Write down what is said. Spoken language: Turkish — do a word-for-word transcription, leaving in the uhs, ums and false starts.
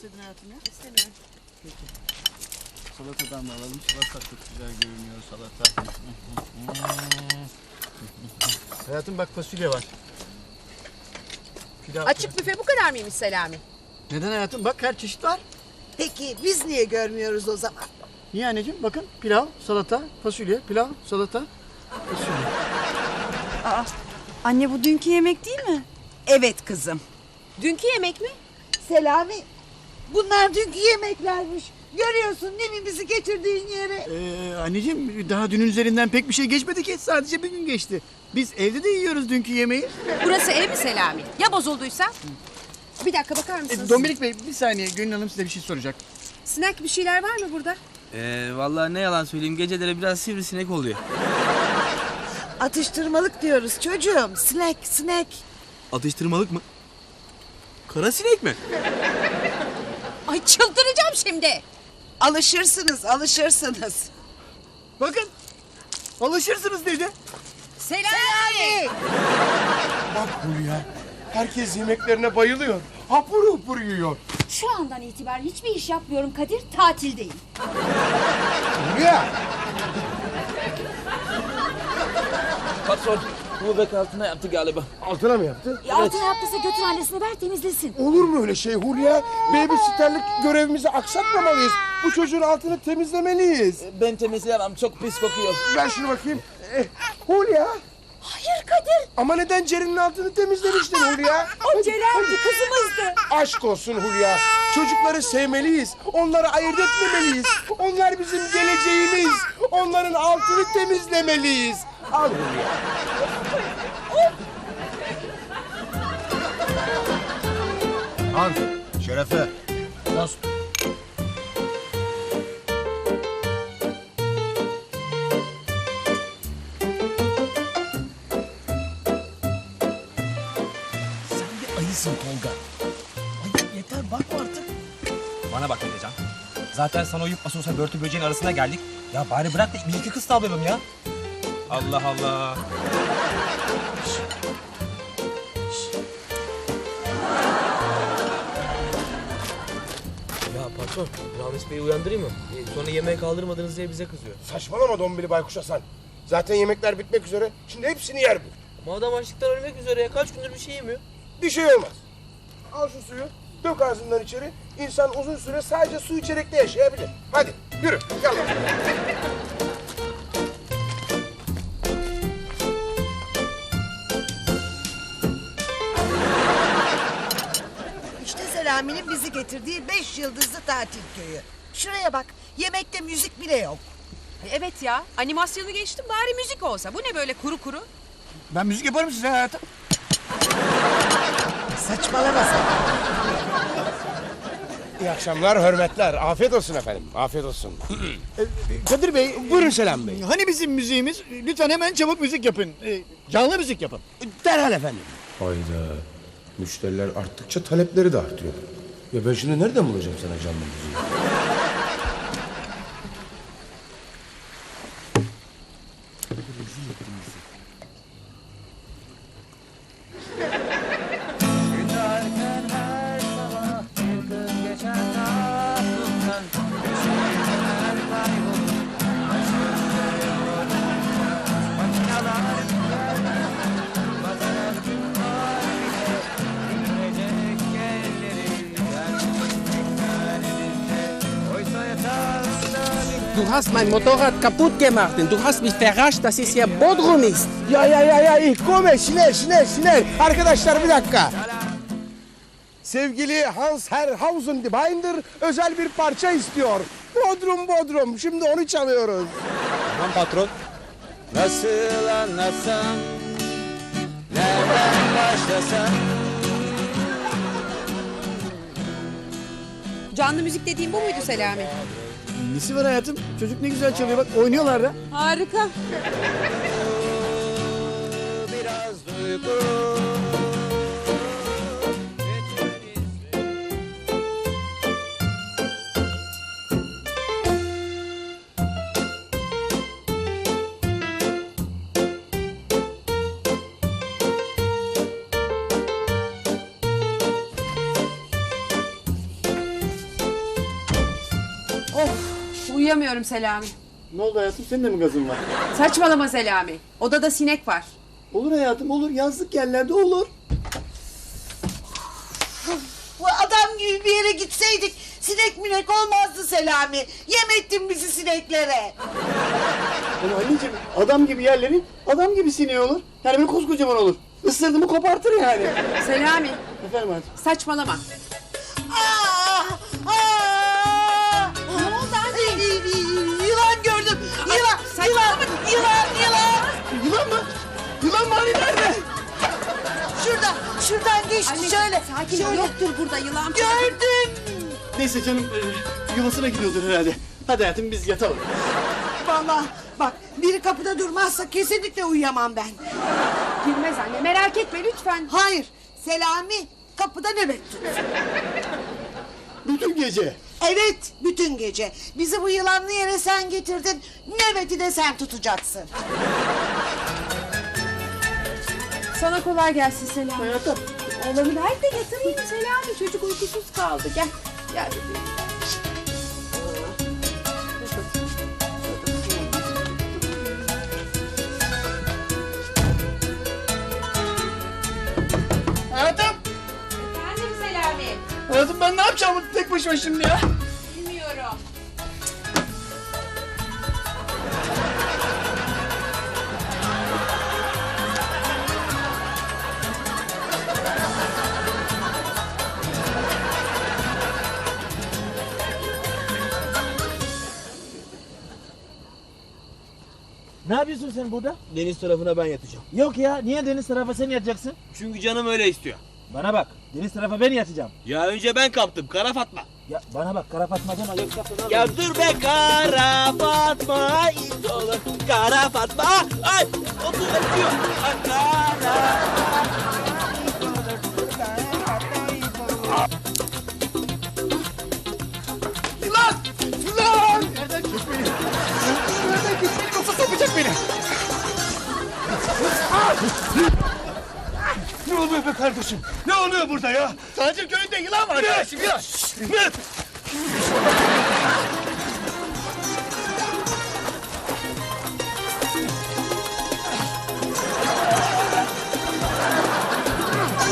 alsaydın hayatım ya. İstemiyorum. Peki. Salatadan da alalım. Salata çok güzel görünüyor salata. Hayatım bak fasulye var. Pilav. Açık büfe bu kadar mıymış Selami? Neden hayatım? Bak her çeşit var. Peki biz niye görmüyoruz o zaman? Niye anneciğim? Bakın pilav, salata, fasulye, pilav, salata, fasulye. Aa, anne bu dünkü yemek değil mi? Evet kızım. Dünkü yemek mi? Selami, bunlar dünkü yemeklermiş. Görüyorsun değil mi bizi getirdiğin yere? Ee, anneciğim daha dünün üzerinden pek bir şey geçmedi ki. Sadece bir gün geçti. Biz evde de yiyoruz dünkü yemeği. Burası ev mi Selami? Ya bozulduysa? Bir dakika bakar Ee, mısınız? Dominik Bey bir saniye Gönül Hanım size bir şey soracak. Snack bir şeyler var mı burada? Ee, vallahi ne yalan söyleyeyim geceleri biraz sivrisinek oluyor. Atıştırmalık diyoruz çocuğum. Snack, snack. Atıştırmalık mı? Kara sinek mi? Ay çıldıracağım şimdi. Alışırsınız, alışırsınız. Bakın alışırsınız dedi. Selami! Bak Hulya, herkes yemeklerine bayılıyor. Hapur hapur yiyor. Şu andan itibaren hiçbir iş yapmıyorum Kadir, tatildeyim. Hulya! Patron bu bek altına yaptı galiba. Altına mı yaptı? E, altına yaptıysa götür annesine ver temizlesin. Olur mu öyle şey Hulya? Babysitterlik görevimizi aksatmamalıyız. Bu çocuğun altını temizlemeliyiz. Ben temizleyemem çok pis kokuyor. Ver şunu bakayım. Eh, Hulya! Hayır Kadir, Ama neden Ceren'in altını temizlemiştin Hulya? o Ceren'di, kızımızdı. Aşk olsun Hulya. Çocukları sevmeliyiz. Onları ayırt etmemeliyiz. Onlar bizim geleceğimiz. Onların altını temizlemeliyiz. Al Hulya. Han, Şerefe. Dost. Sen bir ayısın Tolga. Ay yeter bakma artık. Bana bak Emrecan. Zaten sana uyup nasıl olsa börtü böceğin arasına geldik. Ya bari bırak da bir iki kız tavlayalım ya. Allah Allah. Ya patron Ramiz Bey'i uyandırayım mı? Ee, sonra yemeğe kaldırmadınız diye bize kızıyor. Saçmalama Dombili Baykuş Hasan. Zaten yemekler bitmek üzere. Şimdi hepsini yer bu. Ama adam açlıktan ölmek üzere ya. Kaç gündür bir şey yemiyor. Bir şey olmaz. Al şu suyu, dök ağzından içeri. İnsan uzun süre sadece su içerek de yaşayabilir. Hadi yürü, gel. İşte Selami'nin bizi getirdiği beş yıldızlı tatil köyü. Şuraya bak, yemekte müzik bile yok. Evet ya, animasyonu geçtim bari müzik olsa. Bu ne böyle kuru kuru? Ben müzik yaparım size hayatım. Saçmalama sen. İyi akşamlar, hürmetler. Afiyet olsun efendim, afiyet olsun. Ee, Kadir Bey. Buyurun Selam Bey. Hani bizim müziğimiz? Lütfen hemen çabuk müzik yapın. Ee, canlı müzik yapın. Derhal efendim. Hayda. Müşteriler arttıkça talepleri de artıyor. Ya ben şimdi nereden bulacağım sana canlı müziği? Du hast mein Motorrad kaputt gemacht und du hast mich verarscht, dass es hier Bodrum ist. Ya ya ya ya ich komme şiner şiner şiner. Arkadaşlar bir dakika. Sevgili Hans Herrhausen die Binder özel bir parça istiyor. Bodrum Bodrum. Şimdi onu çalıyoruz. Tamam patron. Nasıl anlatsam, nereden başlasam? Canlı müzik dediğim bu muydu Selami? Nesi var hayatım? Çocuk ne güzel çalıyor bak oynuyorlar da. Harika. Biraz duygu. Uyuyamıyorum Selami. Ne oldu hayatım, senin de mi gazın var? Saçmalama Selami. Odada sinek var. Olur hayatım, olur. Yazlık yerlerde olur. Bu adam gibi bir yere gitseydik sinek minek olmazdı Selami. Yem ettin bizi sineklere. Ama anneciğim, adam gibi yerlerin adam gibi sineği olur. Yani böyle koskocaman olur. Isırdı mı kopartır yani. Selami, Efendim hayatım. saçmalama. Aa, aa, Ne oldu anne? Yılan gördüm. Yılan, yılan, yılan, yılan. Yılan mı? Yılan mı hani nerede? Şurada, şuradan geçti Anne, şöyle. sakin ol. şöyle. Yoktur burada yılan. Gördüm. Neyse canım, e, yuvasına gidiyordur herhalde. Hadi hayatım, biz yatalım. Vallahi bak biri kapıda durmazsa kesinlikle uyuyamam ben. Girmez anne, merak etme lütfen. Hayır, Selami kapıda nöbet tut. Bütün gece. Evet, bütün gece. Bizi bu yılanlı yere sen getirdin. Nöbeti de sen tutacaksın. Sana kolay gelsin Selami. Hayatım. Oğlanı ver de yatırayım Selami. Çocuk uykusuz kaldı. Gel. Gel bebeğim. Hayatım. Efendim Selami. Hayatım, ben ne yapacağım tek başıma şimdi ya? Bilmiyorum. Ne yapıyorsun sen burada? Deniz tarafına ben yatacağım. Yok ya, niye deniz tarafa sen yatacaksın? Çünkü canım öyle istiyor. Bana bak, deniz tarafa ben yatacağım. Ya önce ben kaptım, Kara Fatma. Ya bana bak, kara Fatma deme, yoksa fena Ya olur. dur be Kara Fatma, it olur. Kara Fatma, ay otur öpüyor. Ay, Kara Yılan! Yılan! Nereden kes beni? Nereden kes beni, yoksa sokacak beni. Ne oluyor be kardeşim? Ne oluyor burada ya? Tacir köyünde yılan var kardeşim, yılan. Ne?